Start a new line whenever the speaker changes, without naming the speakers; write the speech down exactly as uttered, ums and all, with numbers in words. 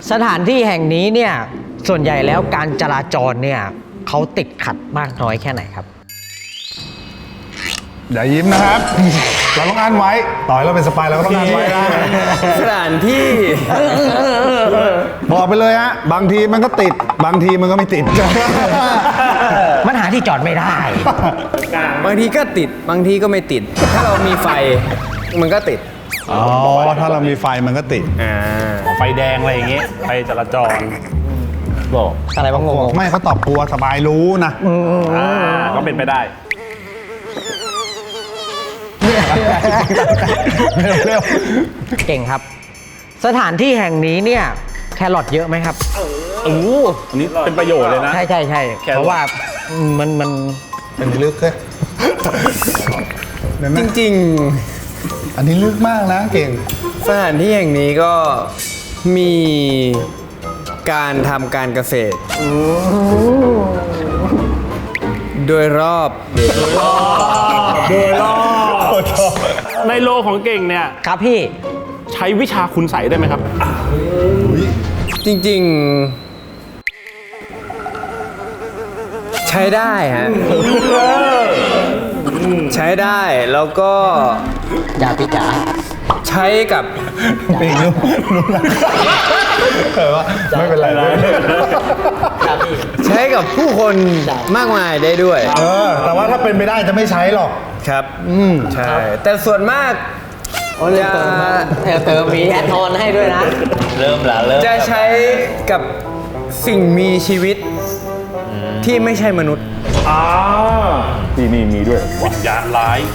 สถานที่แห่งนี้เนี่ยส่วนใหญ่แล้วการจราจรเนี่ยเขาติดขัดมากน้อยแค่ไหนครับ
อย่ายิ้มนะครับ เราต้องอ่านไว้ ต่อยเราเป็นสปายเราก็ต้องอ่านไว้นะ
สถานที่
บอกไปเลยฮะ บางทีมันก็ติด บางทีมันก็ไม่ติด
มันหาที่จอดไม่ได้
บางทีก็ติดบางทีก็ไม่ติด ถ้าเรามีไฟมันก็ติด
อ๋อ ถ้าเรามีไฟมันก็ติด
อ่า
ไฟแดงอะไรอย่างงี้ไฟจราจรบอก
อะไรบ้างงง
ไม่เขาตอบกลัวสบายรู้นะ
อ่าก็เป็นไปได้
เร็ว
เก่งครับ สถานที่แห่งนี้เนี่ยแครอทเยอะไหมครับ
โอ้โหอันนี้เป็นประโยชน์เลยนะ
ใช่ใช่ใช่
แครอท
เพราะว่ามันมัน
ๆอันนี้ลึกเลยเห็นไหม
จริง
อันนี้ลึกมากนะเก่ง
ๆ สถานที่แห่งนี้ก็มีการทำการเกษตร โดยรอบ
โดยรอบในโลของเก่งเนี่ย
ครับพี่
ใช้วิชาคุณใสยได้ไหมครับ
จริงๆ ใช้ได้ฮะ ใช้ได้แล้วก็
อย่าพี่จ๋า
ใช้กับ
เก่งรู้รู้นะเออว่าไม่เป็นไรไม่เป็นไร
ครับพี่
ใช้กับผู้คนมากมายได้ด้วย
เออ แต่ว่าถ้าเป็นไม่ได้จะไม่ใช้หรอก
ครับ อืมใช่ แต่ส่วนมาก
โอ้ยเติมมาเออเติมมีแอดออนให้ด้วยนะ
เริ่มละเริ่ม
จะใช้กับสิ่งมีชีวิตที่ไม่ใช่มนุษย์
อ่านี่นี่มีด้วยวิญญาณร้าย